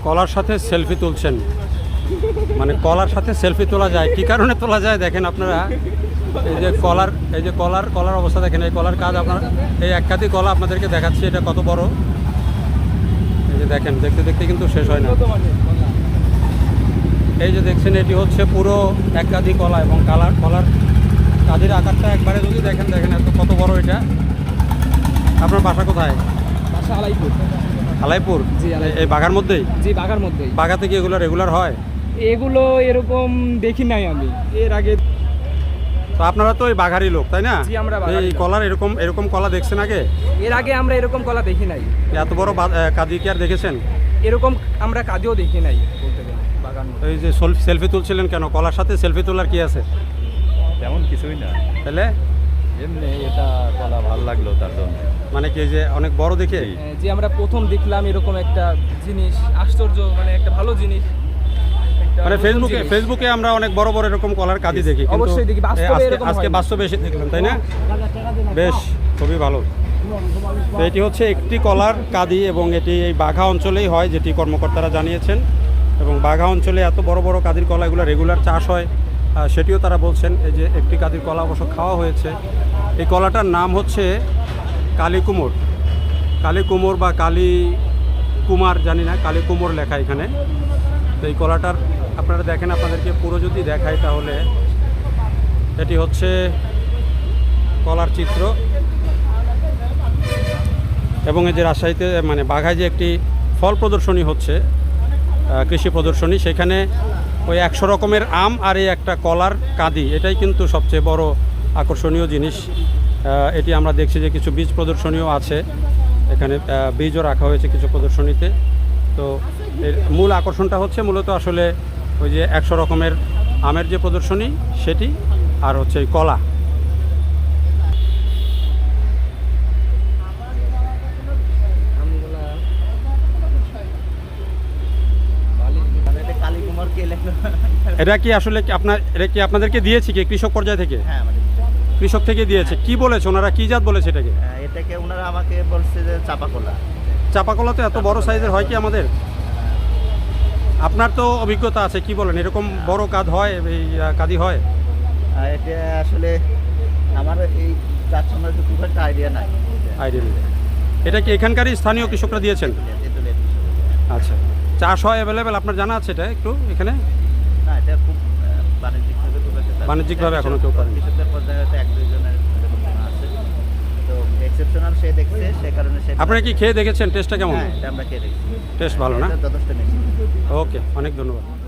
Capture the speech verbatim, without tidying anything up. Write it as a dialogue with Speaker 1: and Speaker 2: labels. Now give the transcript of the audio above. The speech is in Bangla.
Speaker 1: কলার সাথে সেলফি তুলছেন, মানে কলার সাথে সেলফি তোলা যায়, কি কারণে তোলা যায় দেখেন আপনারা। এই যে কলার, এই যে কলার কলার অবস্থা দেখেন, এই কলার কাজ আপনার, এই এক কাঁদি কলা আপনাদেরকে দেখাচ্ছি, এটা কত বড়। এই যে দেখেন, দেখতে দেখতে কিন্তু শেষ হয় না। এই যে দেখছেন, এটি হচ্ছে পুরো এক কাঁদি কলা, এবং কালার কলার কাঁদির আকারটা একবারে যদি দেখেন, দেখেন এত কত বড় এটা। আপনার বাসা কোথায়?
Speaker 2: বাসা আলাইপুর।
Speaker 1: আলাইপুর?
Speaker 2: জি,
Speaker 1: এই বাগার মধ্যেই?
Speaker 2: জি, বাগার মধ্যেই।
Speaker 1: বাগাতে কি এগুলো রেগুলার হয়?
Speaker 2: এগুলো এরকম দেখি নাই আমি এর আগে।
Speaker 1: তো আপনারা তো এই বাঘারি লোক, তাই না?
Speaker 2: জি, আমরা বাঘারি
Speaker 1: এই
Speaker 2: লোক।
Speaker 1: কলার এরকম এরকম কলা দেখছেন আগে?
Speaker 2: এর আগে আমরা এরকম কলা দেখি নাই।
Speaker 1: এত বড় কাঁদি কি আর দেখেছেন?
Speaker 2: এরকম আমরা কাঁদিও দেখি নাই বলতে গেলে বাগান।
Speaker 1: এই যে সেলফি তুলছিলেন কেন? কলার সাথে সেলফি তোলার কি আছে?
Speaker 3: তেমন কিছুই না,
Speaker 1: তাহলে
Speaker 3: এমনি এটা কলা ভালো লাগলো তার জন্য।
Speaker 1: মানে কি যে অনেক বড় দেখে?
Speaker 2: যে আমরা প্রথম দেখলাম এরকম একটা জিনিস, আশ্চর্য, মানে একটা ভালো জিনিস।
Speaker 1: মানে ফেসবুকে ফেসবুকে আমরা অনেক বড় বড় এরকম কলার কাঁদি দেখি, কিন্তু
Speaker 2: অবশ্যই দেখি, বাস্তবে এরকম
Speaker 1: আজকে
Speaker 2: হয়নি।
Speaker 1: বাস্তবে এসে দেখলাম, তাই না? বেশ, খুবই ভালো। তো এটি হচ্ছে একটি কলার কাঁদি, এবং এটি এই বাঘা অঞ্চলেই হয়, যেটি কর্মকর্তারা জানিয়েছেন। এবং বাঘা অঞ্চলে এত বড় বড় কাঁদির কলা, এগুলো রেগুলার চাষ হয়, সেটিও তারা বলছেন। এই যে একটি কাঁদির কলা অবশ্য খাওয়া হয়েছে। এই কলাটার নাম হচ্ছে কালী কুমোর, কালী কুমোর বা কালী কুমার জানি না, কালী কুমোর লেখা এখানে। তো এই কলাটার আপনারা দেখেন, আপনাদেরকে পুরো যদি দেখাই তাহলে এটি হচ্ছে কলার চিত্র। এবং এই যে রাজশাহীতে মানে বাঘায় যে একটি ফল প্রদর্শনী হচ্ছে, কৃষি প্রদর্শনী, সেখানে ওই একশো রকমের আম আর এই একটা কলার কাঁদি, এটাই কিন্তু সবচেয়ে বড় আকর্ষণীয় জিনিস। এটি আমরা দেখছি যে কিছু বীজ প্রদর্শনীও আছে এখানে, বীজও রাখা হয়েছে কিছু প্রদর্শনীতে। তো এর মূল আকর্ষণটা হচ্ছে মূলত আসলে ওই যে একশো রকমের আমের যে প্রদর্শনী সেটি, আর হচ্ছে এই কলা। এটা কি আসলে আপনার, এটা কি আপনাদেরকে দিয়েছে কি কৃষক পর্যায় থেকে?
Speaker 4: হ্যাঁ, আমাদের
Speaker 1: কৃষক থেকে দিয়েছে। কি বলেছে ওনারা, কি জাত বলেছে এটাকে?
Speaker 4: এটাকে ওনারা আমাকে বলছে যে চাপা কলা।
Speaker 1: চাপা কলা তো এত বড় সাইজের হয় কি আমাদের? আপনার তো অভিজ্ঞতা আছে, কি বলেন, এরকম বড় কাঁদ হয়, এই কাঁদি হয়?
Speaker 4: এটা আসলে আমার এই গাছ সম্বন্ধে খুব একটা আইডিয়া নাই।
Speaker 1: আইডিয়া নেই। এটা কি এখানকারই স্থানীয় কৃষকরা দিয়েছেন? আচ্ছা, চাষ হয় অ্যাভেলেবেল, আপনার জানা আছে এটা একটু এখানে?
Speaker 4: না, এটা খুব বাণিজ্যিকভাবে খুব একটা
Speaker 1: বাণিজ্যিকভাবে এখনো কেউ করেনি।
Speaker 4: কৃষকদের পর্যায়ে হয়তো এক দুইজনের আছে, তো এক্সেপশনাল সে দেখছে, সে কারণে সে।
Speaker 1: আপনারা কি খেয়ে দেখেছেন? টেস্টটা কেমন?
Speaker 4: হ্যাঁ, এটা আমরা খেয়ে দেখছি,
Speaker 1: টেস্ট ভালো না?
Speaker 4: যথেষ্ট মিষ্টি।
Speaker 1: ওকে, অনেক ধন্যবাদ।